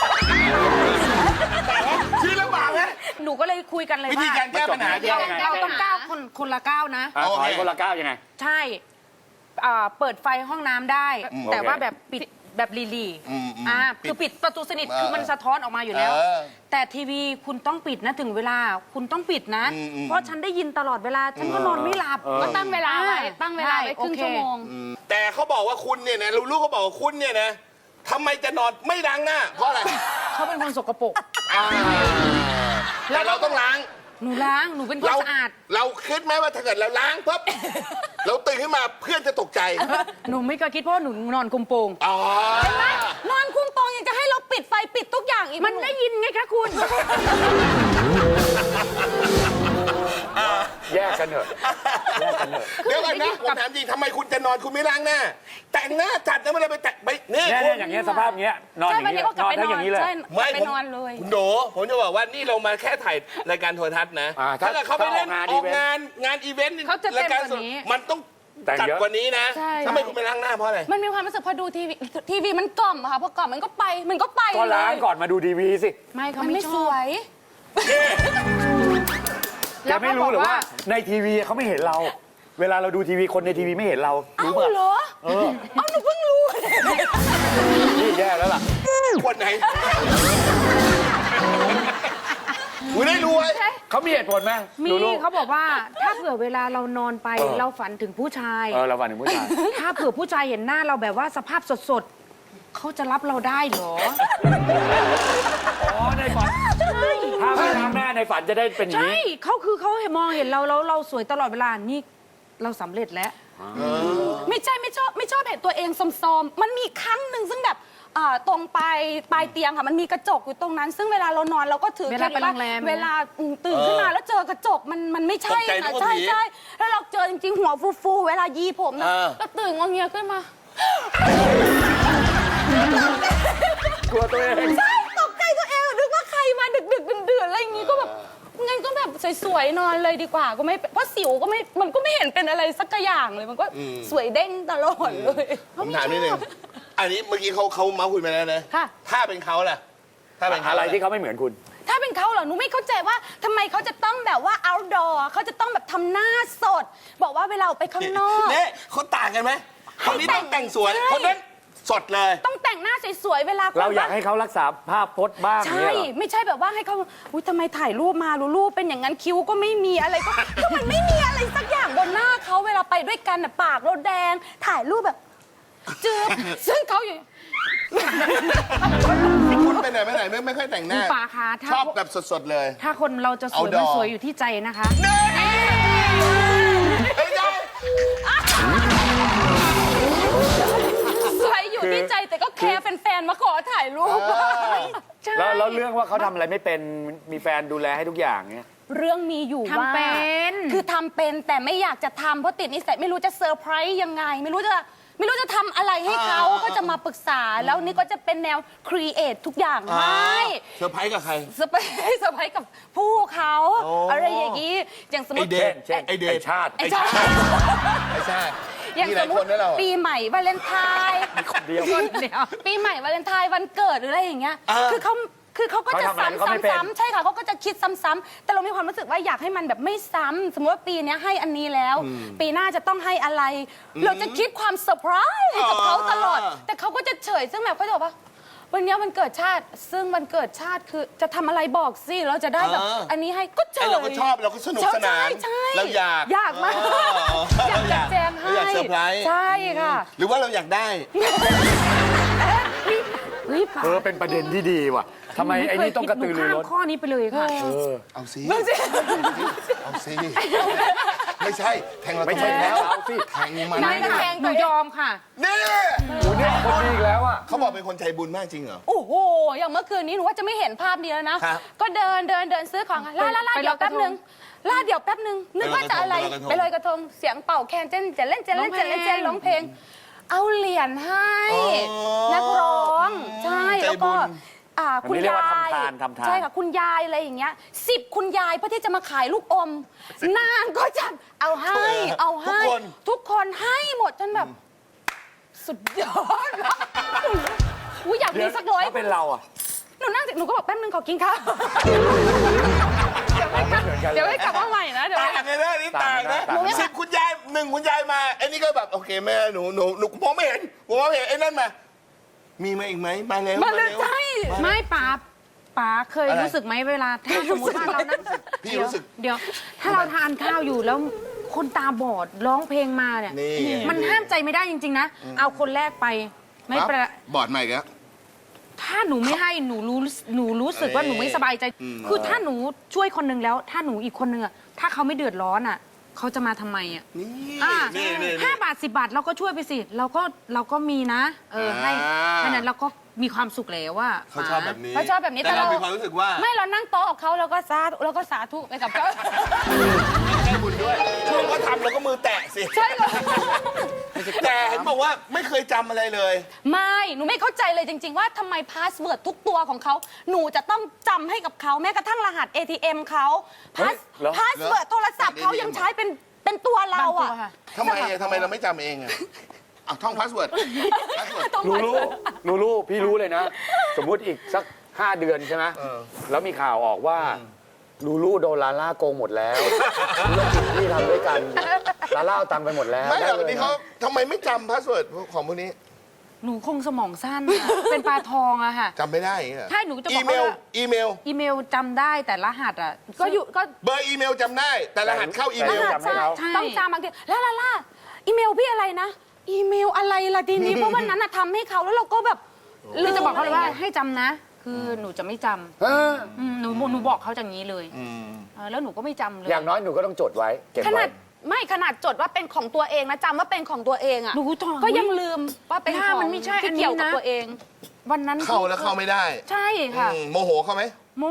[SPEAKER 3] ชื่อลำบากไหม
[SPEAKER 7] หนูก็เลยคุยกันเลย
[SPEAKER 3] วิ
[SPEAKER 7] ว่า
[SPEAKER 3] ธีการแก้ปัญหา
[SPEAKER 4] แก้
[SPEAKER 7] เรา
[SPEAKER 4] ยังไง
[SPEAKER 7] เราต้องก้าวคนคนละก้าวนะ
[SPEAKER 4] อ่ะ
[SPEAKER 3] โอ
[SPEAKER 4] ถ
[SPEAKER 3] เค
[SPEAKER 4] อยคนละก้าวยังไง
[SPEAKER 7] ใช่อ่าเปิดไฟห้องน้ำได้
[SPEAKER 3] อืม
[SPEAKER 7] แต่
[SPEAKER 4] โอเค
[SPEAKER 7] ว่าแบบปิดแบบลีลี
[SPEAKER 3] อืมอืม
[SPEAKER 7] อ่า
[SPEAKER 3] ปิด
[SPEAKER 7] คือปิดประตูสนิท
[SPEAKER 3] เออ
[SPEAKER 7] คือมันสะท้อนออกมาอยู่แล้ว
[SPEAKER 3] เออ
[SPEAKER 7] แต่ทีวีคุณต้องปิดนะถึงเวลาคุณต้องปิดนะ
[SPEAKER 3] อืมอืม
[SPEAKER 7] เพราะฉันได้ยินตลอดเวลาฉันก็นอนไม่หลับ
[SPEAKER 6] ก็ตั้งเวลาไว้
[SPEAKER 7] อ่
[SPEAKER 6] ตั้งเวลาไว้ครึ่ง
[SPEAKER 7] โอเค
[SPEAKER 6] ชั่วโมง
[SPEAKER 3] แต่เขาบอกว่าคุณเนี่ยนะลูกๆเขาบอกว่าคุณเนี่ยนะทำไมจะนอนไม่ล้างหน้า เพราะอะไร
[SPEAKER 7] เขาเป็นคนสกปรก
[SPEAKER 3] อ่าแต่เราต้องล้าง
[SPEAKER 7] หนูล้างหนูเป็นคน
[SPEAKER 3] เรา
[SPEAKER 7] สะอาด
[SPEAKER 3] เราคิดไหมว่าถ้าเกิดเราล้างปุ๊บ เราตื่นขึ้นมาเพื่อนจะตกใจ
[SPEAKER 7] หนูไม่เคยคิดเพราะว่าหนูนอนคุมโปง
[SPEAKER 3] อ๋อ
[SPEAKER 6] นอนคุ้มโปงยังจะให้เราปิดไฟปิดทุกอย่างอีก
[SPEAKER 7] มันได้ยินไงคะคุณ
[SPEAKER 4] แยกกันเถอะแยกกันเถอะ
[SPEAKER 3] เดี๋ยวก่อนนะผมถามจริงทำไมคุณจะนอนคุณไม่ล้างหน้า แต่งหน้าจัดแล้วไม่ได้ไปแต่งไปนี่
[SPEAKER 4] เนี่ย
[SPEAKER 3] คุ
[SPEAKER 4] เนี่ย
[SPEAKER 3] ณ
[SPEAKER 4] อย่างเงี้ยสภาพเงี้ยนอนอ
[SPEAKER 6] ใช่
[SPEAKER 4] ย่าง
[SPEAKER 6] วัน
[SPEAKER 4] นี้
[SPEAKER 6] นี้ก็กลับ
[SPEAKER 4] นอน
[SPEAKER 6] ไปน
[SPEAKER 4] ทั้ง
[SPEAKER 6] อ
[SPEAKER 4] อน ย่างนี้เลย
[SPEAKER 6] ใช่
[SPEAKER 3] ไม่
[SPEAKER 6] ไป
[SPEAKER 3] ผม
[SPEAKER 6] นอนเลย
[SPEAKER 3] คุณโดผมจะบอกว่านี่เรามาแค่ถ่ายรายการโทรทัศน์นะ
[SPEAKER 4] อ่า
[SPEAKER 3] ถ้า
[SPEAKER 4] ถ้า
[SPEAKER 3] เกิดเขาไปเล่น
[SPEAKER 4] ถ้า
[SPEAKER 3] อ
[SPEAKER 4] อ
[SPEAKER 3] อ
[SPEAKER 4] อก กาน
[SPEAKER 3] งาง
[SPEAKER 4] าน
[SPEAKER 3] งานอีเวนต์
[SPEAKER 7] เขาจะเต็ม
[SPEAKER 3] รายการสด
[SPEAKER 7] กว่านี้
[SPEAKER 3] มันต้อง
[SPEAKER 4] แต่ง
[SPEAKER 3] จัด
[SPEAKER 4] เยอะ
[SPEAKER 3] กว่านี้นะ
[SPEAKER 6] ใช่
[SPEAKER 3] ทำไมคุณไม่ล้างหน้าเพราะอะไร
[SPEAKER 6] มันมีความรู้สึกพอดูทีวีทีวีมันกล่อมอะค่ะพอกล่อมมันก็ไปมันก็ไป
[SPEAKER 4] ก็ล้าง
[SPEAKER 6] เลย
[SPEAKER 4] ก่อนมาดูทีวีสิ
[SPEAKER 7] ไม่เขา
[SPEAKER 6] มัน
[SPEAKER 7] ไม่
[SPEAKER 6] ไม่
[SPEAKER 7] ช
[SPEAKER 6] ส
[SPEAKER 7] อบ
[SPEAKER 6] วย
[SPEAKER 4] แกไม่รู้หรือว่าในทีวีเขาไม่เห็นเรา เวลาเราดูทีวีคนในทีวีไม่เห็นเรา
[SPEAKER 6] เอ้า
[SPEAKER 4] รู้ป่ะ
[SPEAKER 6] เหรอ
[SPEAKER 4] เออ
[SPEAKER 6] เอ้าหนูเพิ่งรู้
[SPEAKER 4] นี่แย่แล้วล่ะ
[SPEAKER 3] คนไหนคุณได้รู้ไว้
[SPEAKER 4] เขามีเหตุผลไหม
[SPEAKER 7] มี
[SPEAKER 4] ลูก
[SPEAKER 7] เขาบอกว่าถ้าเผื่อเวลาเรานอนไป
[SPEAKER 4] เออ
[SPEAKER 7] เราฝันถึงผู้ชาย
[SPEAKER 4] เออเราฝันถึงผู้ชาย
[SPEAKER 7] ถ้าเผื่อผู้ชายเห็นหน้าเราแบบว่าสภาพสดๆ เขาจะรับเราได้เหรอ
[SPEAKER 4] อ๋อในฝันถ้าไม่ล้างหน้าในฝันจะได้เป็นอย่าง
[SPEAKER 7] ใช่
[SPEAKER 4] นี้
[SPEAKER 7] เขาคือเขาเห็นมองเห็นเราแล้วเราสวยตลอดเวลา นี่เราสำเร็จแล้ว
[SPEAKER 6] ไม่ใช่ไม่ชอบไม่ชอบเห็นตัวเองซอมๆมันมีครั้งหนึ่งซึ่งแบบอ่าตรงปลายปลายเตียงค่ะมันมีกระจกอยู่ตรงนั้น ซึ่งเวลาเรานอนเราก็ถือ
[SPEAKER 7] เวลาไป
[SPEAKER 6] คด
[SPEAKER 7] โรงแรม
[SPEAKER 6] เวลาอืมตื่นขึ้นมาแล้วเจอกระจกมันมันไม่ใช่
[SPEAKER 3] ตกใจนึ
[SPEAKER 6] นะ
[SPEAKER 3] กว่า
[SPEAKER 6] ใช่
[SPEAKER 3] ผี
[SPEAKER 6] ใช่แล้วเราเจอจริงๆหัวฟูๆเวลายีผมนะ
[SPEAKER 3] เออ
[SPEAKER 6] แล้วตื่นงอเงียขึ้นมา
[SPEAKER 4] กลัวตัวเอง
[SPEAKER 6] ใช่ตกใจตัวเองนึกว่าใครมาดึกดึกๆดื่นๆอะไรอย่างงี้ก็แบบงั้นก็แบบสวยๆนอนเลยดีกว่าก็ไม่เพราะสิวก็ไม่มันก็ไม่เห็นเป็นอะไรสักอย่างเลยมันก็สวยเด้งตลอดเลย
[SPEAKER 3] ผมถามนิดนึงอันนี้เมื่อกี้เขาเขาเมาส์คุยมาแล้วนะ
[SPEAKER 6] ค่ะ
[SPEAKER 3] ถ้าเป็นเขาล่ะ ถ้าเป็นเขา
[SPEAKER 4] อะไร
[SPEAKER 3] ล่ะ
[SPEAKER 4] ที่เขาไม่เหมือนคุณ
[SPEAKER 6] ถ้าเป็นเขาเหรอหนูไม่เข้าใจว่าทำไมเขาจะต้องแบบว่า outdoor เขาจะต้องแบบทำหน้าสด บอกว่าเวลาออกไปข้างนอก
[SPEAKER 3] เนี่ยเขาต่างกันไหมคนนี้ต้องแต่งสวย
[SPEAKER 6] ใช่
[SPEAKER 3] คนนั้นสดเลย
[SPEAKER 6] ต้องแต่งหน้าสวยๆเวลา
[SPEAKER 4] เราอยากให้เขารักษาภาพพจน์บ้าง
[SPEAKER 6] ใช่
[SPEAKER 4] เนี่ยเหรอ
[SPEAKER 6] ไม่ใช่แบบว่าให้เขาอุ้ยทำไมถ่ายรูปมารูรูปเป็นอย่างนั้นคิ้วก็ไม่มีอะไรก็ คือมันไม่มีอะไรสักอย่างบนหน้าเขาเวลาไปด้วยกันน่ะปากเราแดงถ่ายรูปแบบจืบซึ่งเขาอยู่
[SPEAKER 3] คุณไปไหนไปไหนไม่ไม่ค่อยแต่งหน้า
[SPEAKER 7] คุณป๋าคะถ้า
[SPEAKER 3] ชอบแบบสดๆเลย
[SPEAKER 7] ถ้าคนเราจะสวย
[SPEAKER 3] Outdoor
[SPEAKER 7] มันสวยอยู่ที่ใจนะคะ
[SPEAKER 3] เฮ้ยได้
[SPEAKER 6] สวยอยู่ที่ใจแต่ก็แคร์แฟนๆมาขอถ่ายรูป
[SPEAKER 7] ใช่
[SPEAKER 4] แล้วแล้วเรื่องว่าเขาทำอะไรไม่เป็นมีแฟนดูแลให้ทุกอย่างเนี่ย
[SPEAKER 6] เรื่องมีอยู่ว่า
[SPEAKER 7] ทำเป็น
[SPEAKER 6] คือทำเป็นแต่ไม่อยากจะทำเพราะติดนิสัยไม่รู้จะเซอร์ไพรส์ยังไง ไม่รู้จะไม่รู้จะทำอะไรให้เขาก็จะมาปรึกษาแล้วนี่ก็จะเป็นแนวครีเอททุกอย่างให้
[SPEAKER 3] เซอร์ไพรส์กับใคร
[SPEAKER 6] เซอร์ไพรส์เซอร์ไพรส์กับผู้เขาอะไรอย่างนี้อย่างสมม
[SPEAKER 3] ไอ
[SPEAKER 6] ติ
[SPEAKER 3] เดน
[SPEAKER 4] เช่น
[SPEAKER 3] ไอเด
[SPEAKER 4] ไอ้
[SPEAKER 3] น
[SPEAKER 4] ชาติ
[SPEAKER 6] ไอ้ชาติ
[SPEAKER 3] ไอชาติ
[SPEAKER 6] อย่าง
[SPEAKER 3] มีห
[SPEAKER 6] ส
[SPEAKER 3] ลาย
[SPEAKER 6] มม
[SPEAKER 3] ค
[SPEAKER 6] ติ
[SPEAKER 3] นด้วยเรา
[SPEAKER 6] ปีใหม่วาเลนไทน์
[SPEAKER 4] เดียว
[SPEAKER 7] เดี๋ยว
[SPEAKER 6] ปีใหม่วาเลนไทน์วันเกิดหรืออะไรอย่างเงี้ย
[SPEAKER 3] เออ
[SPEAKER 6] คือเขาคือเขาก็จะ
[SPEAKER 4] เขาทำอะไร
[SPEAKER 6] ซ้ำ
[SPEAKER 4] เขาไม่เป็น
[SPEAKER 6] ซ้ำซ้ำใช่ค่ะเขาก็จะคิดซ้ำๆแต่เรามีความรู้สึกว่าอยากให้มันแบบไม่ซ้ำสมมติว่าปีเนี้ยให้อันนี้แล้ว ปีหน้าจะต้องให้อะไร เราจะคิดความเซอร์ไพรส์กับเขาตลอด แต่เขาก็จะเฉยซึ่งแบบเขาจะบอกว่า วันเนี้ยวันเกิดชาติ ซึ่งวันเกิดชาติคือจะทำอะไรบอกสิเราจะได้แบบ
[SPEAKER 3] เอออั
[SPEAKER 6] อันนี้ให้ก็เฉ
[SPEAKER 3] ไอยเราก็ชอบเราก็สนุกสนาน
[SPEAKER 6] ใช่ใช่
[SPEAKER 3] เราอยาก
[SPEAKER 6] อยากมาก
[SPEAKER 3] เออ
[SPEAKER 6] อยากจัดแจงให้
[SPEAKER 3] เราอยากเซอร์ไพรส์
[SPEAKER 6] ใช่ค่ะ
[SPEAKER 3] หรือว่าเราอยากได้
[SPEAKER 7] เฮ้ยป๋า
[SPEAKER 4] เออเป็นประเด็นที่ดีว่ะทำไมไอ้นี่ต้องกระตือรือร้น
[SPEAKER 7] หข้ามข้อนี้ไปเลยค่ะ
[SPEAKER 3] เอาสิเอาสิไม่ใช่แทงเรา
[SPEAKER 4] ไม่ใช่
[SPEAKER 3] ทำ
[SPEAKER 4] แล้วเอาสิ
[SPEAKER 3] แทงมัน
[SPEAKER 6] ไม่ได้แทง
[SPEAKER 7] หนูยอมค่ะ
[SPEAKER 3] นี่
[SPEAKER 4] โอ้เนี่ยคนดีอีกแล้วอ่ะ
[SPEAKER 3] เขาบอกเป็นคนใจบุญมากจริงเหรอ
[SPEAKER 6] โอ้โห อย่างเมื่อคืนนี้หนูว่าจะไม่เห็นภาพนี้แล้วนะ
[SPEAKER 3] ครับ
[SPEAKER 6] ก็เดินเดินเดินซื้อของล่าล่าล่า
[SPEAKER 7] ไป
[SPEAKER 6] เดี๋ยว
[SPEAKER 7] ลอยก
[SPEAKER 6] แป๊
[SPEAKER 7] ระ
[SPEAKER 6] บ
[SPEAKER 7] ทง
[SPEAKER 6] นึงล่าเดี๋ยวแป๊บนึง นึกว่าจะอะไร ไปลอยกระทง เสียงเป่าแคนเจนจะเล่นจะเล่นจะเล่นจะร้องเพลง เอาเหรียญให้ นักร้อง ใช่ แล้วก็อ่า
[SPEAKER 4] อัน
[SPEAKER 6] คุณ
[SPEAKER 4] นี้เรียก
[SPEAKER 6] ยา
[SPEAKER 4] ว่าย ทำทานทำทาน
[SPEAKER 6] ใช่ค่ะ คุณยายอะไรอย่างเงี้ยสิบคุณยายเพื่อที่จะมาขายลูกอม นางก็จะเอาให้ เอาให้ ทุกคนให้หมดจนแบบ สุดยอดอุ้ยอยากมีสักร้อย
[SPEAKER 4] ถ้าเป็นเราอ่ะ
[SPEAKER 6] หนูนั่งหนูก็บอกแป๊บนึงขอกินข้าว เดี๋ยวให้กลับมาใหม่นะเดี๋ยว
[SPEAKER 3] ต่างกันนะนี่ต่างนะ
[SPEAKER 4] ต่างกันนะ
[SPEAKER 3] สิบคุณยายหนึ่งคุณยายมาไอ้นี่ก็แบบโอเคแม่หนูหนูหนูมองไม่เห็นผมมองไม่เห็นไอ้นั่นมามีมาอีกไหมมาแล้ว
[SPEAKER 6] มาเลย
[SPEAKER 3] ร็ว
[SPEAKER 6] ใช่
[SPEAKER 7] ไม่ป๋าป๋าเคย
[SPEAKER 3] อะไร
[SPEAKER 7] รู้สึกไหมเวลาถ้าสมมติว่าเรานั่ง
[SPEAKER 3] พี่รู้สึก
[SPEAKER 7] เดี๋ยว ถ้าเราทานข้าวอยู่แล้วคนตาบอดร้องเพลงมาเนี่ย
[SPEAKER 3] นี่
[SPEAKER 7] มันห้ามใจไม่ได้จริง ๆ นะ เอาคนแรกไปไม่
[SPEAKER 3] ครับ
[SPEAKER 7] เป็นไร
[SPEAKER 3] บอดใหม่อีกแล้ว
[SPEAKER 7] ถ้าหนูไม่ให้หนูรู้หนูรู้สึกว่าหนูไม่สบายใจ
[SPEAKER 3] อืม
[SPEAKER 7] คือถ้าหนูช่วยคนหนึ่งแล้ว ถ้าหนูอีกคนหนึ่งอะถ้าเขาไม่เดือดร้อนอะเขาจะมาทำไมอะ
[SPEAKER 3] นี่
[SPEAKER 7] อ่า
[SPEAKER 3] นี่นี่
[SPEAKER 7] ห้าบาทสิบบาทเราก็ช่วยไปสิ เราก็เราก็มีนะ เออให้
[SPEAKER 3] อ่า
[SPEAKER 7] แค่นั้นเราก็มีความสุขแล้วว่า
[SPEAKER 3] เขาชอบแบบนี้
[SPEAKER 6] เขาชอบแบบนี้
[SPEAKER 3] แต่
[SPEAKER 6] แต่
[SPEAKER 3] เรา
[SPEAKER 6] เรา
[SPEAKER 3] มีความรู้สึกว่า
[SPEAKER 6] ไม่เรานั่งโต๊ะกับเขาแล้วก็สาธุแล้วก็สาธุไปกับเขา
[SPEAKER 3] ได้บุญด้วยช่วงเขาทำเราก็มือแตะสิ
[SPEAKER 6] ใช่เลย
[SPEAKER 3] แต่เห็นบอกว่าไม่เคยจำอะไรเลย
[SPEAKER 6] ไม่ หนูไม่เข้าใจเลยจริง ๆ ว่าทำไมพาสเวิร์ดทุกตัวของเขา หนูจะต้องจำให้กับเขาแม้กระทั่งรหัส เอ ที เอ็ม เขาพาส
[SPEAKER 4] เหรอ
[SPEAKER 6] พาสเวิร์ดโทรศัพท์เขายังใช้เป็นเป็นตัวเรา
[SPEAKER 7] บางตัว
[SPEAKER 6] อะ
[SPEAKER 7] ค่ะ
[SPEAKER 3] ทำไมอะทำไมเราไม่จำเองอะอ่ะท่องพาสเวิร์ดพาสเวิร์ด
[SPEAKER 6] ต้อง
[SPEAKER 4] หนู
[SPEAKER 6] มา
[SPEAKER 4] รู้หนูรู้พี่รู้เลยนะ สมมุติอีกสักห้าเดือนใช่ไหม
[SPEAKER 3] เออ
[SPEAKER 4] แล้วมีข่าวออกว่าลูลูโดนลาล่าโกงหมดแล้วธุรกิจที่ทำด้วยกันลาล่าเอาตังค์ไปหมดแล้ว
[SPEAKER 3] ไม่หรอก
[SPEAKER 4] ด้ลย
[SPEAKER 3] นี่เขาทำไมไม่จำพาสเวิร์ดของพวกนี้
[SPEAKER 7] หนูคงสมองสั้นอะ เป็นปลาทองอะค่ะ
[SPEAKER 3] จำไม่ได้อย่างเงี้ย
[SPEAKER 7] ใช่หนูจะบอก
[SPEAKER 3] อีเมล
[SPEAKER 7] ว่า
[SPEAKER 3] อีเมล
[SPEAKER 7] อีเมลจำได้แต่รหัสอะ
[SPEAKER 6] ก็อยู่ก็
[SPEAKER 3] เบอร์อีเมลจำได้ แต่รหัสเข้าอีเม
[SPEAKER 6] ร
[SPEAKER 3] ล
[SPEAKER 6] หัส
[SPEAKER 4] จำให้
[SPEAKER 6] ใช่
[SPEAKER 4] เขา
[SPEAKER 7] ใช่
[SPEAKER 6] ต้องจำบางทีแล้วล่ะล่ะอีเมลพี่อะไรนะ อีเมลอะไรล่ะทีนี้ เพราะวันนั้นอะทำให้เขาแล้วเราก็แบบ
[SPEAKER 7] หรือจะบอกเขาเลยว่าให้จำนะ คือหนูจะไม่จำ
[SPEAKER 4] เออ
[SPEAKER 7] อืมหนูหนูบอกเขาอย่างนี้เลย
[SPEAKER 3] อืม
[SPEAKER 7] เออแล้วหนูก็ไม่จำเลย
[SPEAKER 4] อย่างน้อยหนูก็ต้องจดไว้เก็บ
[SPEAKER 6] ขนา
[SPEAKER 4] ไว้
[SPEAKER 6] ดไม่ขนาดจดว่าเป็นของตัวเองนะจำว่าเป็นของตัวเองอะ
[SPEAKER 7] หนูต้อง
[SPEAKER 6] ก็ยังลืมว่าเป็น
[SPEAKER 7] ถ้า
[SPEAKER 6] ของ
[SPEAKER 7] มันไม่ใช่อั
[SPEAKER 6] ที่
[SPEAKER 7] นนี้
[SPEAKER 6] เกี่ยวกับ
[SPEAKER 7] นะ
[SPEAKER 6] ตัวเอง
[SPEAKER 7] วันนั้น
[SPEAKER 3] เข้าแล้วเข้าไม่ได้
[SPEAKER 7] ใช่ค่ะ
[SPEAKER 3] อืมโมโหเขาไหม
[SPEAKER 7] โม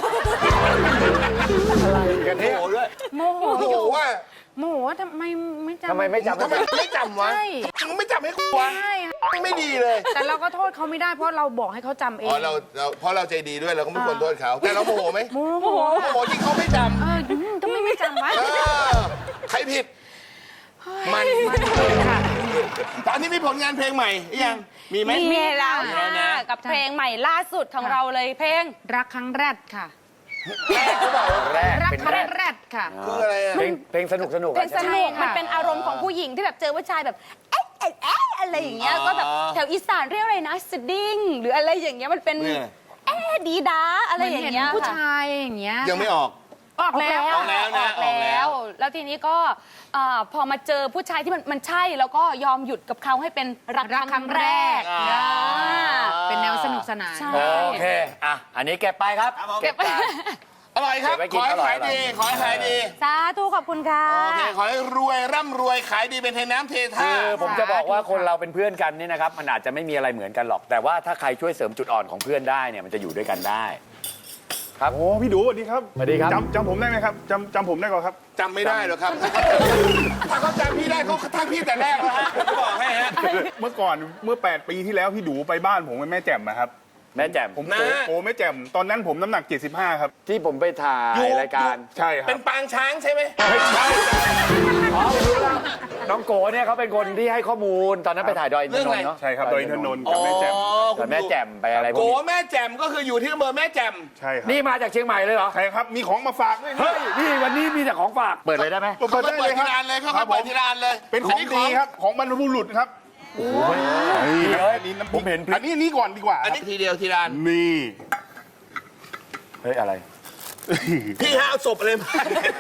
[SPEAKER 4] อะไรกัน
[SPEAKER 3] โม
[SPEAKER 4] เนี่ย
[SPEAKER 3] โหด้วย
[SPEAKER 7] โมโห
[SPEAKER 3] โมโหว่า
[SPEAKER 7] โมโหว่าทำไมไม่จำ
[SPEAKER 4] ทำไมไม่จำ
[SPEAKER 3] ทำไมไม่จำวะ
[SPEAKER 7] ใช่
[SPEAKER 3] มึงไม่จำให้กูวะ
[SPEAKER 7] ใช่ค่ะ
[SPEAKER 3] ไม่ดีเลย
[SPEAKER 7] แต่เราก็โทษเขาไม่ได้เพราะเราบอกให้เขาจำเอ
[SPEAKER 3] อ๋อง เราเราเพราะเราใจดีด้วยเราก็ไม่ควรโทษเขาแต่เราโมโหไหม
[SPEAKER 7] โมโห
[SPEAKER 3] โมโหที่เขาไม่จ
[SPEAKER 7] เอออืมทำไมไม่จำวะ
[SPEAKER 3] ำเออใครผิด มัน
[SPEAKER 7] มันเลยค่ะ
[SPEAKER 3] ตอนนี้มีผลงานเพลงใหม่หรือยัง มีไหม
[SPEAKER 6] มีแล้ว
[SPEAKER 3] มีแล้ว
[SPEAKER 6] ค่ะ
[SPEAKER 3] นะ
[SPEAKER 6] กับเพลงใหม่ล่าสุดของเราเลยเพลง
[SPEAKER 7] รักครั้งแรกค่ะ
[SPEAKER 4] แรก
[SPEAKER 7] รัก
[SPEAKER 4] เป็น
[SPEAKER 7] ครั้
[SPEAKER 4] แรง ก
[SPEAKER 7] แรกค่ะ
[SPEAKER 3] คืออะไรอะ
[SPEAKER 4] เพลงเพลงสนุกสนุก
[SPEAKER 6] เพลงส
[SPEAKER 7] ใช่
[SPEAKER 6] นุก
[SPEAKER 7] ค่ะ
[SPEAKER 6] มันเป็นอารมณ์ของผู้หญิงที่แบบเจอผู้ชายแบบเอ๊ะเอ๊ะเอ๊ะอะไรอย่างเงี้ย
[SPEAKER 3] อ๋อ
[SPEAKER 6] ก็แบบแถวอีสานเรียกอะไรนะสดิ้งหรืออะไรอย่างเงี้ยมันเป็น
[SPEAKER 3] เนี่ย
[SPEAKER 6] เอ๊ะดีดาอะไรอย่างเงี้ย
[SPEAKER 7] หมืนห็นผู้
[SPEAKER 6] ค่ะ
[SPEAKER 7] ชายอย่างเงี้ย
[SPEAKER 3] ยังไม่ออก
[SPEAKER 7] ออกแล้ว
[SPEAKER 3] ออกแล้วนะ
[SPEAKER 6] ออกแล้ว แล้วทีนี้ก็เอ่อพอมาเจอผู้ชายที่มันมันใช่แล้วก็ยอมหยุดกับเขาให้เป็นรัก
[SPEAKER 7] รัก
[SPEAKER 6] ค
[SPEAKER 7] ครั้
[SPEAKER 6] รั้ง
[SPEAKER 7] ง
[SPEAKER 6] แร
[SPEAKER 7] แร
[SPEAKER 6] ก
[SPEAKER 7] ก
[SPEAKER 6] อ่า
[SPEAKER 7] เป็นแนวสนุกสนาน
[SPEAKER 6] ใช่
[SPEAKER 4] โอเค อ่ะ อันนี้เก็บไปครับ
[SPEAKER 6] เก็บไป
[SPEAKER 4] จาน
[SPEAKER 3] อร่อยครับ
[SPEAKER 4] เก็บไว้กิ
[SPEAKER 3] ข
[SPEAKER 4] น
[SPEAKER 3] อให้
[SPEAKER 4] อร่อย
[SPEAKER 3] ขายดี ขอให้ขายดี
[SPEAKER 6] สาธุขอบคุณค่ะ
[SPEAKER 3] โอเค ขอให้รวยร่ำรวยขายดีเป็นเทน้ำเทท่า
[SPEAKER 4] คือผมจะบอกว่าคนเราเป็นเพื่อนกันเนี่ยนะครับ มันอาจจะไม่มีอะไรเหมือนกันหรอก แต่ว่าถ้าใครช่วยเสริมจุดอ่อนของเพื่อนได้เนี่ยมันจะอยู่ด้วยกันได้ ครับ
[SPEAKER 8] โอ้พี่ดูสวัสดีครับ
[SPEAKER 4] สวัสดีครับ
[SPEAKER 8] จำจำผมได้ไหมครับจำจำผมได้ก่อนครับ
[SPEAKER 3] จำไม่ได้หรอกครับ ถ้าเขาจำพี่ได้เขาทักพี่แต่แรกแล้วฮะผมจะบอกให้ฮะ
[SPEAKER 8] เมื่อก่อนเมื่อแปดปีที่แล้วพี่ดูไปบ้านผมกับแม่แจ่มนะครับ
[SPEAKER 4] แม่แจ่ม
[SPEAKER 8] ผม
[SPEAKER 3] นะ
[SPEAKER 8] โตโตแม่แจ่มตอนนั้นผมน้ำหนักเจ็ดสิบห้าครับ
[SPEAKER 4] ที่ผมไปถ่ายรายการ
[SPEAKER 8] ใช่ครับ
[SPEAKER 3] เป็นปางช้างใช่ไหม
[SPEAKER 8] ไม่ใช่
[SPEAKER 4] อ๋อผมรู้แล้วน้องโกเนี่ยเขาเป็นคนที่ให้ข้อมูล ตอนนั้นไปถ่ายดอยอินทนนท์เนาะ
[SPEAKER 8] ใช่ครับโดยอินทนนท์กับแม่แจ่ม
[SPEAKER 4] ตอนแม่แจ่มไปอะไรพว
[SPEAKER 3] โก
[SPEAKER 4] กนี้
[SPEAKER 3] แม่แจ่มก็คืออยู่ที่อำเภอแม่แจ่ม
[SPEAKER 8] ใช่ครับ
[SPEAKER 4] นี่มาจากเชียงใหม่เลยเหรอ
[SPEAKER 8] ใช่ครับมีของมาฝากด้วย
[SPEAKER 4] เฮ้ย นี่วันนี้มีแต่ของฝาก เปิดเลยได้ไหม
[SPEAKER 8] เปิด
[SPEAKER 3] เขา
[SPEAKER 8] ได้
[SPEAKER 3] เปิ
[SPEAKER 8] เล
[SPEAKER 3] ด
[SPEAKER 8] ยค
[SPEAKER 3] ที
[SPEAKER 8] รับ
[SPEAKER 3] ละอันเลยเขา
[SPEAKER 8] ครับ
[SPEAKER 3] เปิด
[SPEAKER 8] ผม
[SPEAKER 3] ทีละอันเลย
[SPEAKER 8] เป็นของดีครับของบรรพบุรุษครับนี่ครับอันนี้น้ำพ
[SPEAKER 4] ผ
[SPEAKER 8] ริ
[SPEAKER 4] ม
[SPEAKER 8] ก
[SPEAKER 4] เห็นพริ
[SPEAKER 8] อั
[SPEAKER 4] ก
[SPEAKER 8] นนี้นี่ก่อนดีกว่า
[SPEAKER 3] อันนี้ทีเดียวทีละอัน
[SPEAKER 8] นี่
[SPEAKER 4] เฮ้ย อะไร
[SPEAKER 3] พี่ฮะเอาศพอะไรมา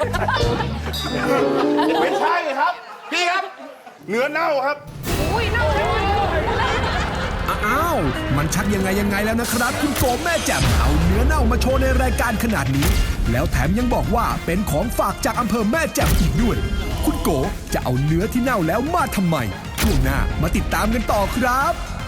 [SPEAKER 8] ไม่ใช่ครับ
[SPEAKER 3] พี่ครับ
[SPEAKER 8] เนื้อเน่าครับ
[SPEAKER 9] อ้าว มันชักยังไงยังไงแล้วนะครับ คุณโกแม่แจ่มเอาเนื้อเน่ามาโชว์ในรายการขนาดนี้ แล้วแถมยังบอกว่าเป็นของฝากจากอำเภอแม่แจ่มอีกด้วย คุณโกจะเอาเนื้อที่เน่าแล้วมาทำไมช่วงหน้ามาติดตามกันต่อครับ